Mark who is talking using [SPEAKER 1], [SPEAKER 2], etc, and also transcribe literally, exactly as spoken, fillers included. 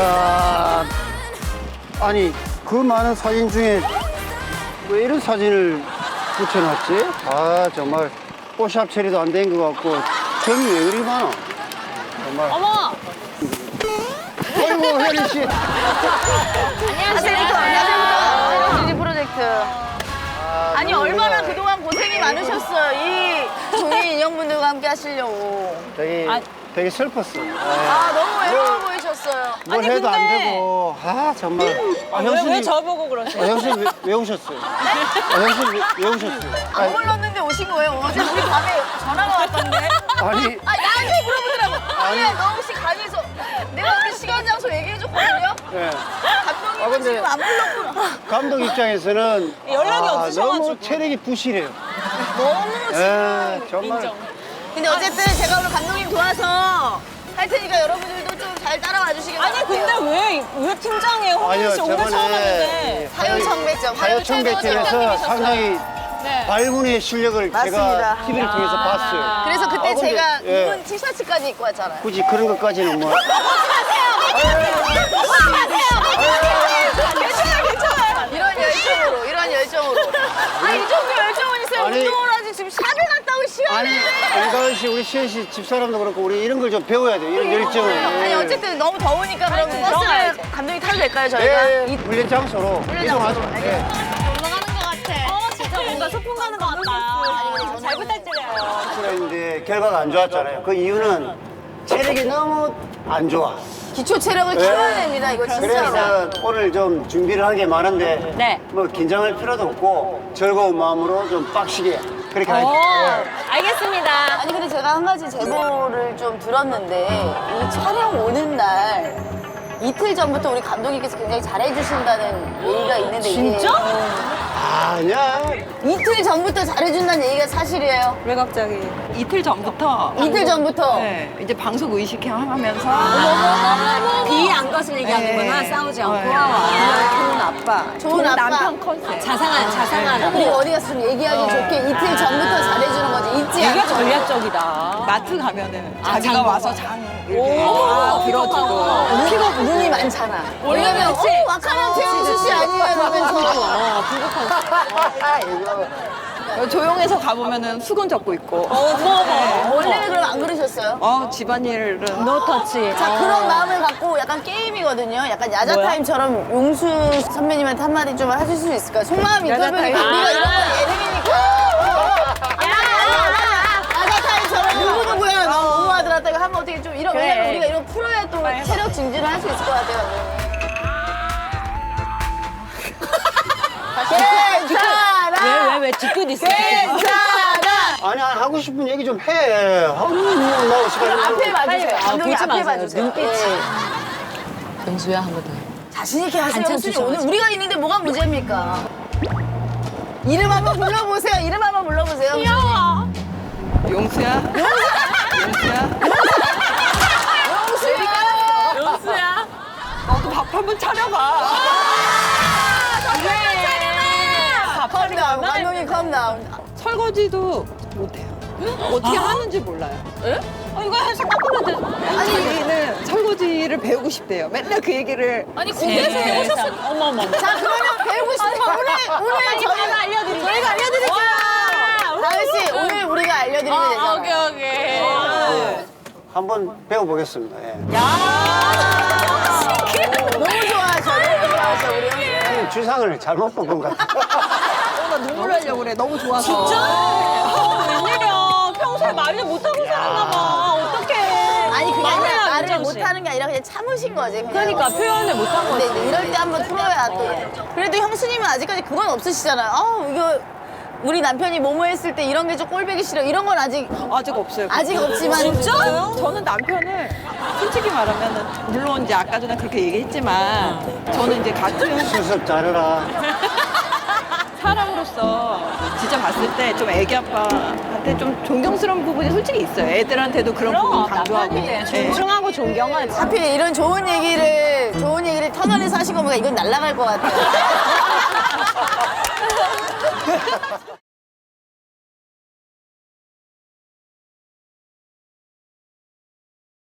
[SPEAKER 1] 야, 아니 그 많은 사진 중에 왜 이런 사진을 붙여놨지? 아 정말 포샵 처리도 안 된 것 같고 점이 왜 그리 많아? 정말.
[SPEAKER 2] 어머!
[SPEAKER 1] 아이고 혜리 씨.
[SPEAKER 2] 안녕하세요. 안녕하세요. 뮤직 프로젝트.
[SPEAKER 1] 아,
[SPEAKER 2] 아니
[SPEAKER 1] 너무
[SPEAKER 2] 얼마나
[SPEAKER 1] 그냥
[SPEAKER 2] 그동안 고생이 많으셨어요. 이 종이 인형분들과 함께 하시려고.
[SPEAKER 1] 되게
[SPEAKER 2] 아.
[SPEAKER 1] 되게 슬펐어.
[SPEAKER 2] 아 너무 외로워 보이셨어요.
[SPEAKER 1] 뭘
[SPEAKER 2] 아니
[SPEAKER 1] 해도 안
[SPEAKER 2] 근데
[SPEAKER 1] 되고 아 정말. 아,
[SPEAKER 2] 왜,
[SPEAKER 1] 형수님,
[SPEAKER 2] 왜 저보고 그러세요?
[SPEAKER 1] 아, 형수님 왜, 왜 오셨어요? 아, 형수님 왜, 왜 오셨어요?
[SPEAKER 2] 안 불렀는데 오신 거예요? 어제 우리 밤에 전화가 왔던데.
[SPEAKER 1] 아니
[SPEAKER 2] 아 나한테 물어보더라고.
[SPEAKER 1] 아니.
[SPEAKER 2] 아니 너 혹시 강의에서 내가 우리 시간 장소 얘기해줬거든요.
[SPEAKER 1] 예.
[SPEAKER 2] 감독님은
[SPEAKER 1] 아, 근데-
[SPEAKER 2] 지금 안 불렀구나.
[SPEAKER 1] 감독 입장에서는
[SPEAKER 2] 연락이
[SPEAKER 1] 아,
[SPEAKER 2] 없으셔가지고.
[SPEAKER 1] 너무 체력이 부실해요.
[SPEAKER 2] 너무
[SPEAKER 1] 예, 정말.
[SPEAKER 2] 근데 어쨌든 제가 오늘 감독님 도와서 할 테니까 여러분들도 좀 잘 따라와 주시길 바랄게요.
[SPEAKER 3] 아니 근데 왜, 왜 팀장이에요? 홍현
[SPEAKER 1] 아니요,
[SPEAKER 3] 씨 오늘 처음 왔는데.
[SPEAKER 2] 화요청백점.
[SPEAKER 1] 화요청백점에서 상당히
[SPEAKER 3] 네.
[SPEAKER 1] 발문의 실력을
[SPEAKER 2] 맞습니다.
[SPEAKER 1] 제가 티비를 통해서 봤어요.
[SPEAKER 2] 그래서 그때
[SPEAKER 1] 아, 근데,
[SPEAKER 2] 제가
[SPEAKER 1] 예.
[SPEAKER 2] 입은 티셔츠까지 입고 왔잖아요.
[SPEAKER 1] 굳이 그런 것까지는 뭐.
[SPEAKER 2] 괜찮아요, 괜찮아요. 이런 열정으로, 이런 열정으로. 아, 이 정도 열정은 있어요.
[SPEAKER 1] 아니,
[SPEAKER 2] 운동을 하지 지금 샵에 갔다 온
[SPEAKER 1] 아니,
[SPEAKER 2] 시간에.
[SPEAKER 1] 은가은 씨, 우리 시현 씨 집사람도 그렇고 우리 이런 걸 좀 배워야 돼요. 이런 열정을.
[SPEAKER 2] 아니, 어쨌든 너무 더우니까 그럼
[SPEAKER 3] 아니,
[SPEAKER 2] 버스를
[SPEAKER 3] 들어가야죠.
[SPEAKER 2] 감독님 타도 될까요, 저희가?
[SPEAKER 1] 예, 예, 훈련 장소로
[SPEAKER 2] 훈련
[SPEAKER 1] 이동하죠.
[SPEAKER 2] 장소로.
[SPEAKER 1] 예.
[SPEAKER 2] 올라가는 것 같아.
[SPEAKER 3] 어 진짜 뭔가 소풍 가는 것 같다. 잘 부탁드려요.
[SPEAKER 1] 그런데 결과가 안 좋았잖아요. 그 이유는 체력이 너무 안 좋아.
[SPEAKER 2] 기초 체력을
[SPEAKER 1] 예.
[SPEAKER 2] 키워야 됩니다, 이거 진짜로.
[SPEAKER 1] 그래서 오늘 좀 준비를 한 게 많은데
[SPEAKER 3] 네.
[SPEAKER 1] 뭐 긴장할 필요도 없고 즐거운 마음으로 좀 빡시게 그렇게
[SPEAKER 3] 오,
[SPEAKER 1] 하죠.
[SPEAKER 3] 알겠습니다.
[SPEAKER 2] 아니 근데 제가 한 가지 제보를 좀 들었는데 이 촬영 오는 날 이틀 전부터 우리 감독님께서 굉장히 잘해주신다는 얘기가 있는데 이게
[SPEAKER 1] 아니야.
[SPEAKER 2] 이틀 전부터 잘해준다는 얘기가 사실이에요?
[SPEAKER 4] 왜 갑자기 이틀 전부터
[SPEAKER 2] 이틀 전부터?
[SPEAKER 4] 네, 이제 방송 의식하면서
[SPEAKER 3] 비 안 것을 얘기하는구나.
[SPEAKER 4] 네.
[SPEAKER 3] 싸우지 않고.
[SPEAKER 4] 네. 좋은 아빠,
[SPEAKER 2] 좋은 아빠.
[SPEAKER 4] 남편 컨셉.
[SPEAKER 3] 자상한, 자상한.
[SPEAKER 2] 우리 어디 갔으면 얘기하기 좋게 이틀 전부터 잘해주는 거지 잊지
[SPEAKER 3] 되게
[SPEAKER 2] 않고
[SPEAKER 3] 전략적이다.
[SPEAKER 4] 마트 가면은
[SPEAKER 3] 아,
[SPEAKER 4] 자기가
[SPEAKER 3] 장
[SPEAKER 4] 와서
[SPEAKER 3] 보고.
[SPEAKER 4] 장 이렇게 다 들어주고
[SPEAKER 2] 피가 눈이 많잖아 왜냐면 어?
[SPEAKER 3] 그렇지.
[SPEAKER 2] 와카면 최은수 씨 아니에요 이러면서
[SPEAKER 4] 어, 조용해서 가보면은 수건 접고 있고.
[SPEAKER 2] 원래는 그럼 안 그러셨어요?
[SPEAKER 4] 어 집안일은
[SPEAKER 3] 노 터치.
[SPEAKER 2] 자 그런 마음을 갖고 약간 게임이거든요. 약간 야자타임처럼 용수 선배님한테 한마디 좀 하실 수 있을까요? 속마음 인터뷰니까
[SPEAKER 4] 야자타임.
[SPEAKER 2] 우리가 이런 건 예능이니까 야자타임처럼 누구누구야 너무 하더라 이거 하면 어떻게 좀 이런 왜냐면 우리가 이런 풀어야 또 체력 증진을 할 수 있을 것 같아요. 괜찮아
[SPEAKER 3] 왜, 왜, 왜 뒤끝 있어?
[SPEAKER 2] 괜찮아
[SPEAKER 1] 아니 아니, 하고 싶은 얘기 좀 해. 하고 나오 시간.
[SPEAKER 2] 앞에 봐주세요.
[SPEAKER 3] 아,
[SPEAKER 2] 감독님
[SPEAKER 3] 보지
[SPEAKER 2] 앞에
[SPEAKER 3] 마세요.
[SPEAKER 2] 봐주세요.
[SPEAKER 3] 눈빛이.
[SPEAKER 2] 예.
[SPEAKER 3] 영수야, 한 번 더.
[SPEAKER 2] 자신 있게 하세요.
[SPEAKER 3] 반찬
[SPEAKER 2] 형수님.
[SPEAKER 3] 주셔가지고.
[SPEAKER 2] 오늘 우리가 있는데 뭐가 문제입니까? 이름 한번 불러보세요. 이름 한번 불러보세요.
[SPEAKER 3] 귀여워.
[SPEAKER 4] 용수야. 용수야.
[SPEAKER 2] 영수야.
[SPEAKER 3] 영수야.
[SPEAKER 4] 너도 밥 한번 차려봐.
[SPEAKER 2] 컴다운. 감독님 컴다운.
[SPEAKER 4] 설거지도 못해요. 어떻게 하는지 몰라요.
[SPEAKER 3] 어, 이거 해서 닦으면 돼.
[SPEAKER 4] 아니 자기는 설거지를 배우고 싶대요. 맨날 그 얘기를.
[SPEAKER 3] 아니, 공대에서 오셨어. 어머, 어머.
[SPEAKER 2] 자 그러면 배우고 싶은 오늘 오늘 저희가
[SPEAKER 3] 알려드릴게요.
[SPEAKER 2] 저희가 알려드릴게요. 다은 씨 오늘 우리가 알려드리면
[SPEAKER 3] 아,
[SPEAKER 2] 되잖아요.
[SPEAKER 3] 오케이, 오케이.
[SPEAKER 1] 한번 배워보겠습니다. 예.
[SPEAKER 2] 너무 좋아하셔. 너무 좋아하셔 우리 형님.
[SPEAKER 1] 주상을 잘못 뽑은 것 같아.
[SPEAKER 4] 어, 나 눈물 나려고 그래. 너무 좋아서.
[SPEAKER 3] 어, 웬일이야. 평소에 말을 못하고 살았나 봐. 어떡해.
[SPEAKER 2] 아니 그게 아니라
[SPEAKER 3] 말해요,
[SPEAKER 2] 말을
[SPEAKER 3] 민정 씨.
[SPEAKER 2] 못하는 게 아니라 그냥 참으신 거지. 그냥.
[SPEAKER 3] 그러니까 표현을 못한
[SPEAKER 2] 근데
[SPEAKER 3] 거지.
[SPEAKER 2] 이제 이럴 때 한번 풀어야 또. 그래도 형수님은 아직까지 그건 없으시잖아요. 아 이거 우리 남편이 뭐뭐 했을 때 이런 게 좀 꼴보기 싫어. 이런 건 아직
[SPEAKER 4] 아직 없어요.
[SPEAKER 2] 아직 없지만.
[SPEAKER 4] 진짜요? 저는 남편을 솔직히 말하면 물론 이제 아까 전에 그렇게 얘기했지만 저는 이제 같은
[SPEAKER 1] 수습 잘해라.
[SPEAKER 4] 사람으로서 진짜 봤을 때 좀 애기 아빠한테 좀 존경스러운 부분이 솔직히 있어요. 애들한테도 그런 부분 강조하고. 네.
[SPEAKER 3] 존중하고 존경하지.
[SPEAKER 2] 하필 이런 좋은 얘기를 좋은 얘기를 터널에서 하신 거보다 이건 날아갈 것 같아요.